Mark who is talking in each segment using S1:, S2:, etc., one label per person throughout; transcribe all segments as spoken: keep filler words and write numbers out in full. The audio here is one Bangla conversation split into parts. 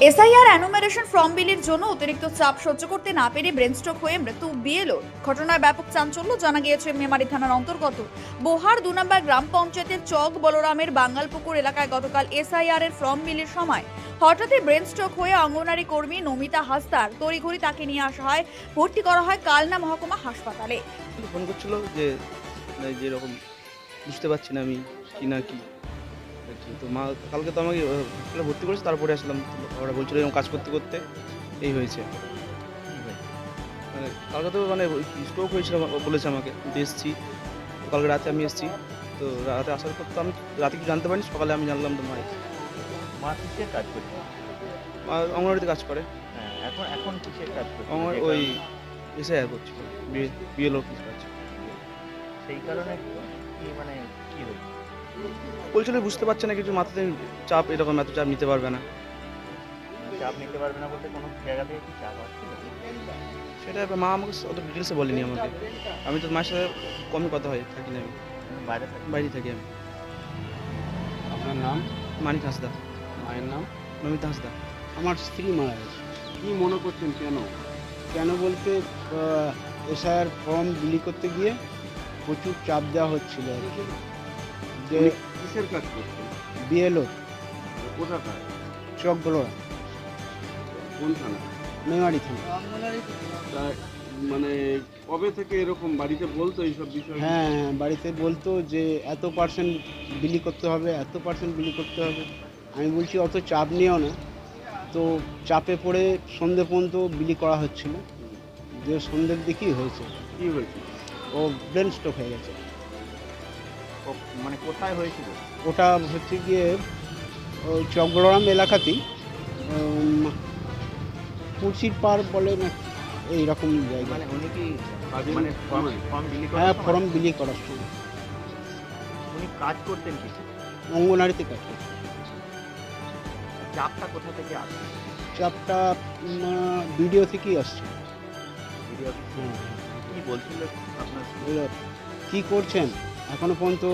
S1: এসআইআর অ্যানুমারেশন ফর্ম বিলির জন্য অতিরিক্ত চাপ সহ্য করতে না পেরে ব্রেনস্ট্রোক হয়ে মৃত্যু বিএলওর। ঘটনায় ব্যাপক চাঞ্চল্য। জানা গিয়েছে মেমারি থানার অন্তর্গত বোহার দু নম্বর গ্রাম পঞ্চায়েতের চক বলরামের বাঙ্গালপুকুর এলাকায় গতকাল এসআইআর এর ফর্ম বিলির সময় হঠাৎই ব্রেনস্ট্রোক হয়ে অঙ্গনারী কর্মী নমিতা হাসদার তড়িঘড়ি তাকে নিয়ে আসা হয়, ভর্তি করা হয় কালনা মহকুমা হাসপাতালে।
S2: ফোন করছিল যে যেরকম বুঝতে পারছি না আমি কি না কি। তো মা কালকে তো আমাকে হসপিটালে ভর্তি করেছে, তারপরে আসলাম। ওরা বলছিল এরকম কাজ করতে করতে এই হয়েছে। মানে কালকে তো মানে স্ট্রোক হয়েছিল বলেছে আমাকে, কিন্তু এসেছি কালকে রাতে আমি এসেছি। তো রাতে আসার পর তো আমি রাতে কি জানতে পারিনি, সকালে আমি জানলাম তো মায়ের
S3: মা কিসের কাজ করছে?
S2: মা অঙ্গনওয়াড়িতে কাজ করে।
S3: হ্যাঁ, এখন এখন কিসের কাজ করছে?
S2: আমার
S3: যে
S2: ওই
S3: কারণে-
S2: এসআইআর করছিল, বিএল অফিস কাজ।
S3: সেই কারণে কি মানে কি হয়েছে?
S2: বলছিল বুঝতে পারছে না কিছু, মাথাতে চাপ, এরকম এত চাপ নিতে পারবে না।
S3: চাপ নিতে পারবে না বলতে কোনো জায়গা থেকে কি চাপ আসছিল?
S2: সেটা এবার মা আমাকে অত ডিটেলসে বলেনি আমাকে। আমি তো মায়ের সাথে কমই কথা হয়, থাকি না আমি,
S3: বাইরে থাকে?
S2: বাইরে থাকি আমি।
S4: আপনার নাম?
S2: মানিক হাঁসদা।
S4: মায়ের নাম?
S2: নমিতা হাঁসদা।
S4: আমার স্ত্রী মারা গেছে। কি মনে করছেন কেন? কেন বলতে এসআইআর ফর্ম বিলি করতে গিয়ে প্রচুর চাপ দেওয়া হচ্ছিল আর কি। যে
S5: উনি কিসের কাজ করছেন?
S4: বিএলও
S5: কোথাকার?
S4: চকগুলো
S5: কোন থানা?
S4: মেমারি থানা।
S5: তা মানে কবে থেকে এরকম বাড়িতে বলতো এইসব বিষয়?
S4: হ্যাঁ হ্যাঁ, বাড়িতে বলতো যে এত পার্সেন্ট বিলি করতে হবে, এত পার্সেন্ট বিলি করতে হবে। আমি বলছি অত চাপ নিও না। তো চাপে পড়ে সন্ধে পর্যন্ত বিলি করা হচ্ছিল, যে সন্ধ্যের দিকেই হয়েছে।
S5: কি হয়েছে?
S4: ও ব্রেন স্ট্রোক হয়ে গেছে।
S3: ও- মানে কোথায় হয়েছিল?
S4: ওটা হচ্ছে গিয়ে ওই চকগড়াম এলাকাতেই, উম, কুচির পার বলে না এইরকম জায়গা।
S3: মানে উনি কি
S5: কাজের
S3: মানে ফর্ম
S5: সময়?
S3: ফর্ম বিলি
S4: হ্যাঁ,
S3: করার
S4: ফর্ম
S3: সময়
S4: বিলি করার সময়
S3: উনি কাজ করতেন কি?
S4: অঙ্গনারীতে কাজ করছে।
S3: চাপটা কোথা থেকে আসে?
S4: চাপটা ভিডিও থেকেই আসছে।
S3: ভিডিও
S4: হ্যাঁ,
S3: কি বলছিল আপনার?
S4: এবার কী করছেন এখনও পর্যন্ত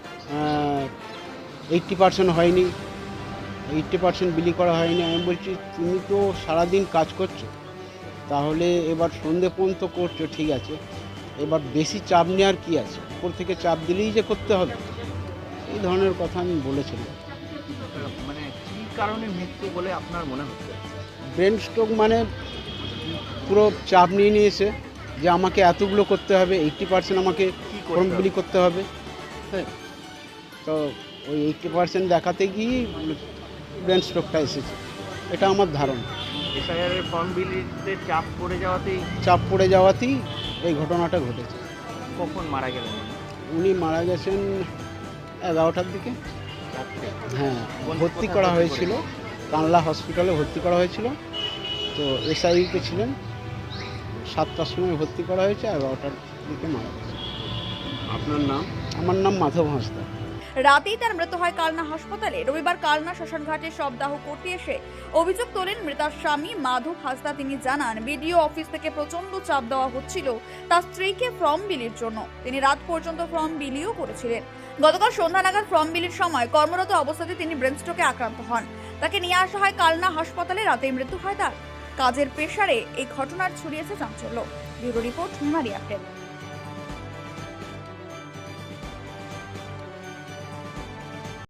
S4: এইট্টি পার্সেন্ট হয়নি, এইট্টি পার্সেন্ট বিলি করা হয়নি। আমি বলছি তুমি তো সারাদিন কাজ করছো, তাহলে এবার সন্ধে পর্যন্ত করছো ঠিক আছে, এবার বেশি চাপ নেওয়ার কি আছে, উপর থেকে চাপ দিলেই যে করতে হবে, এই ধরনের কথা আমি বলেছিলাম।
S3: মানে কি কারণে মৃত্যু বলে আপনার মনে হচ্ছে?
S4: ব্রেন স্ট্রোক মানে পুরো চাপ নিয়ে নিয়েছে যে আমাকে এতগুলো করতে হবে, এইট্টি পার্সেন্ট আমাকে
S3: কি
S4: ফর্ম
S3: করতে
S4: বিলি
S3: হবে?
S4: করতে হবে। হ্যাঁ, তো ওই এইট্টি পার্সেন্ট দেখাতে গিয়ে ব্রেন স্ট্রোকটা এসেছে, এটা আমার ধারণা।
S3: এসআইআর এর ফর্ম বিলিতে চাপ পড়ে যাওয়াতেই
S4: চাপ পড়ে যাওয়াতেই এই ঘটনাটা ঘটেছে।
S3: কখন মারা গেলেন?
S4: উনি মারা গেছেন এগারোটার দিকে।
S3: রাত্রে?
S4: হ্যাঁ,
S3: কোন-
S4: ভর্তি
S3: কোথায়
S4: করা
S3: ভর্তি
S4: হয়েছিল, কানলা হসপিটালে ভর্তি করা হয়েছিল। তো এসআইতে ছিলেন, সাতটার সময় ভর্তি করা হয়েছে, এগারোটার দিকে মারা গেছে।
S5: আপনার নাম?
S4: আমার নাম মাধব হাঁসদা।
S1: রাতেই তার মৃত্যু হয় কালনা হাসপাতালে। রবিবার কালনা শ্মশানঘাটে শবদাহ করতে এসে অভিযোগ তোলেন মৃতার স্বামী মাধব হাসদা। তিনি জানান বিডিও অফিস থেকে প্রচন্ড চাপ দেওয়া হচ্ছিল তার স্ত্রীকে ফর্ম বিলির জন্য। তিনি রাত পর্যন্ত ফর্ম বিলিও করেছিলেন। গতকাল সন্ধ্যা নাগাদ ফর্ম বিলির সময় কর্মরত অবস্থাতে তিনি ব্রেন স্ট্রোকে আক্রান্ত হন। তাকে নিয়ে আসা হয় কালনা হাসপাতালে। রাতেই মৃত্যু হয় তার। কাজের প্রেসারে এই ঘটনার ছড়িয়েছে চাঞ্চল্য। Bureau report Memari update.